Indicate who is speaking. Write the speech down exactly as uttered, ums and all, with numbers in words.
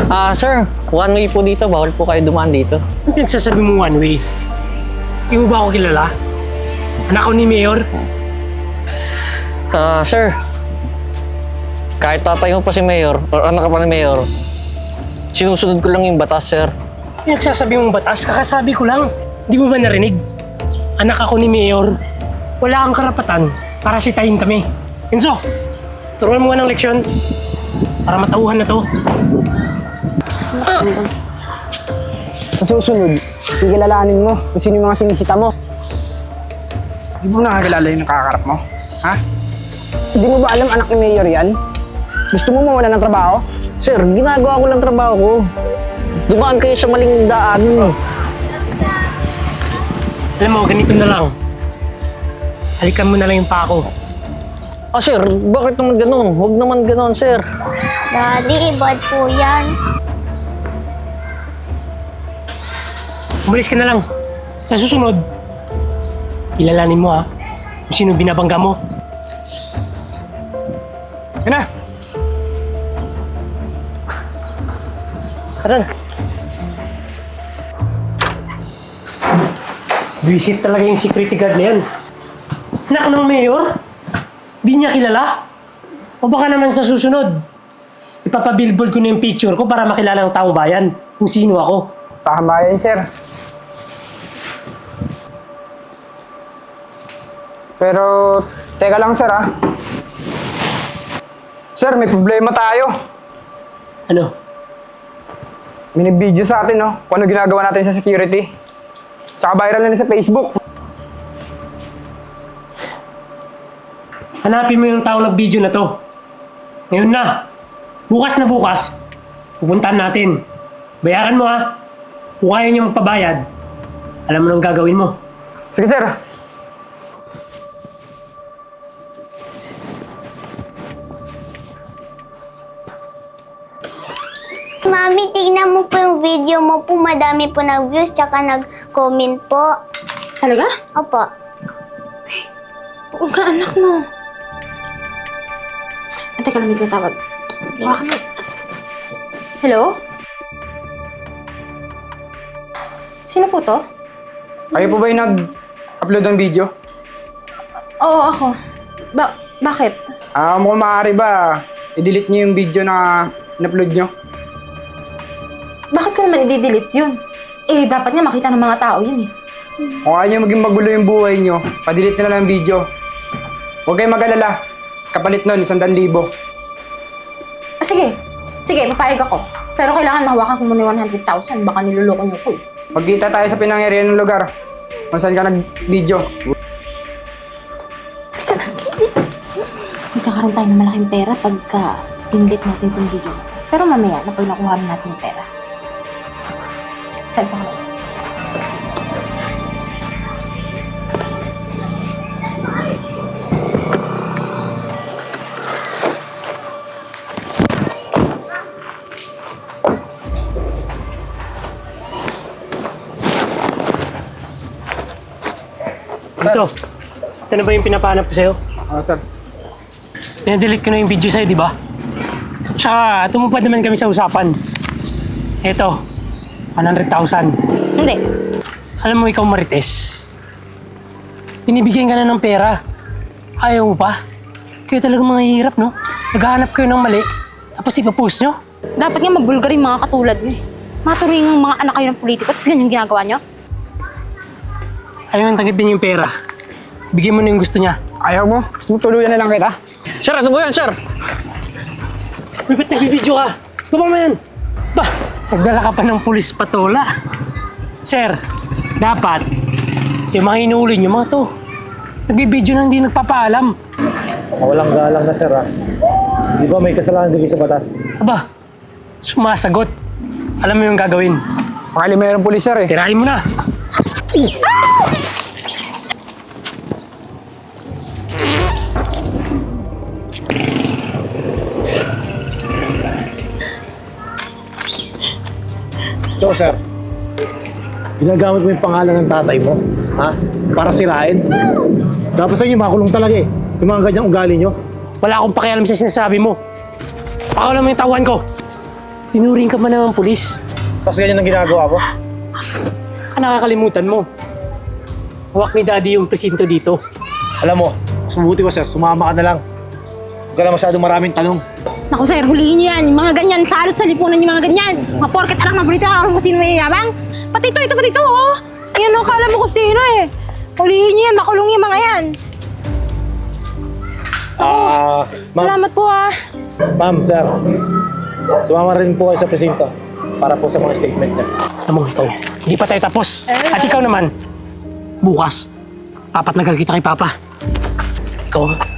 Speaker 1: Ah, sir, one way po dito. Bawal po kayo dumaan dito.
Speaker 2: Ang pinagsasabi mo one way? Hindi mo ba ako kilala? Anak ko ni Mayor?
Speaker 1: Ah, sir. Kahit tatay mo pa si Mayor, or anak ka pa ni Mayor, sinusunod ko lang yung batas, sir.
Speaker 2: Pinagsasabi mong batas, kakasabi ko lang. Hindi mo ba narinig? Anak ako ni Mayor. Wala kang karapatan para sitahin kami. Enzo, turuan mo nga ng leksyon para matauhan na to.
Speaker 3: Sa susunod, ikilalanin mo kung sino yung mga sinisita mo.
Speaker 4: Di mo nakakilala yung nakakarap mo? Ha?
Speaker 3: Hindi mo ba alam anak ni Mayor yan? Gusto mo mawala ng trabaho?
Speaker 1: Sir, ginagawa ko lang trabaho ko. Dumaan kayo sa maling daan. Oh.
Speaker 2: Alam mo, ganito na lang. Halikan mo na lang yung pako.
Speaker 1: Ah, sir, bakit naman ganun? Huwag naman ganun, sir.
Speaker 5: Daddy, bad po yan.
Speaker 2: Umalis ka na lang. Sa susunod, ilalanin mo ha kung sino binabangga mo.
Speaker 4: Yun na!
Speaker 2: Tara na. Visit talaga yung security guard na yan. Anak ng mayor? Di niya kilala? O baka naman sa susunod, ipapabillboard ko na yung picture ko para makilala ng taong bayan kung sino ako.
Speaker 3: Tama yan, sir. Pero, teka lang, sir, ah. Sir, may problema tayo.
Speaker 2: Ano?
Speaker 3: May nag-video sa atin, no? Kung ano ginagawa natin sa security. Tsaka viral na rin sa Facebook.
Speaker 2: Hanapin mo yung taong nag-video na to. Ngayon na. Bukas na bukas, pupuntahan natin. Bayaran mo ha. Kung kaya niyo magpabayad, alam mo nang gagawin mo.
Speaker 3: Sige, sir.
Speaker 5: Mami, tignan mo po yung video mo po. Madami po nag-views tsaka nag-comment po.
Speaker 6: Talaga?
Speaker 5: Opo.
Speaker 6: Oo nga, anak mo. Ah, teka lang, may tatawag. Bakit? Hello? Sino po to?
Speaker 3: Kayo po ba yung nag-upload ng video?
Speaker 6: Oo, ako. Ba bakit?
Speaker 3: Ah, mukhang maaari ba i-delete niyo yung video na in-upload niyo?
Speaker 6: Bakit ko naman i-delete yun? Eh, dapat nga makita ng mga tao yun eh.
Speaker 3: Kung ayaw niyo maging magulo yung buhay niyo, pa-delete na lang yung video. Huwag kayong mag-alala. Kapalit nun, isang daan libo.
Speaker 6: Ah, sige. Sige, papayag ako. Pero kailangan mahawakan ko muna yung one hundred thousand. Baka niloloko niyo ko eh.
Speaker 3: Magkita tayo sa pinangyarihan ng lugar. Kung saan ka nag-video.
Speaker 6: Magkakaroon tayo ng malaking pera pagka dinlit natin itong video. Pero mamaya, na pag nakuha rin natin yung pera. Saan pa ka?
Speaker 2: So, ito na ba yung pinapahanap ko sa'yo?
Speaker 3: Ah, sir.
Speaker 2: Pinadelete ko na yung video sa'yo, di ba? Tsaka, tumupad naman kami sa usapan. Eto, one hundred thousand.
Speaker 6: Hindi.
Speaker 2: Alam mo, ikaw Marites, binibigyan ka na ng pera. Ayaw mo pa? Kayo talagang mga hirap, no? Naghahanap kayo ng mali, tapos ipapost nyo.
Speaker 6: Dapat nga mabulgar yung mga katulad nyo. Maturing mga anak kayo ng politiko, tapos ganyan ginagawa nyo.
Speaker 2: Ayaw nang tanggapin yung pera. Bigyan mo na yung gusto niya.
Speaker 3: Ayaw mo? Gusto mo tuluyan na lang kita?
Speaker 1: Sir, ano mo yan, sir?
Speaker 2: Uy, ba't nagbibideo ka? Gawin mo yan! Ba, nagdala ka pa ng pulis patola. Sir, dapat, yung mga inuuli nyo, mga to, nagbibideo na hindi nagpapaalam.
Speaker 7: Walang galang na sir ah. Di ba may kasalanan din sa batas?
Speaker 2: Aba, sumasagot. Alam mo yung gagawin.
Speaker 3: Pakali mayroong pulis, sir, eh.
Speaker 2: Tirahin mo na.
Speaker 7: Ito sir, ginagamit mo yung pangalan ng tatay mo, ha? Para sirain? Dapat sa inyo makulong talaga eh. Yung mga ganyang ugali nyo.
Speaker 2: Wala akong pakialam sa sinasabi mo. Pakawalan mo yung tauhan ko. Tinuring ka pa naman pulis.
Speaker 7: Tapos ganyan ang ginagawa mo?
Speaker 2: Ah, nakakalimutan mo. Hawak ni Daddy yung presinto dito.
Speaker 7: Alam mo, mas mabuti pa sir, sumama ka na lang. Huwag ka na masyadong maraming tanong.
Speaker 6: Naku sir, hulihin niyo yan. Yung mga ganyan, salot sa lipunan yung mga ganyan. Mga porket anak na balita ka kung sino may yabang. Pati ito, ito, pati ito, oh. Ayan, oh, kala mo kung sino eh. Hulihin niyo yan, makulong yung mga yan.
Speaker 7: Ah, ma'am,
Speaker 6: Salamat po ah.
Speaker 7: ma'am, sir. Sumama rin po kayo sa presinto para po sa mga statement niya.
Speaker 2: Alam mo, ikaw, hindi pa tayo tapos. At ikaw naman, bukas, papat na kita kay Papa. Ikaw,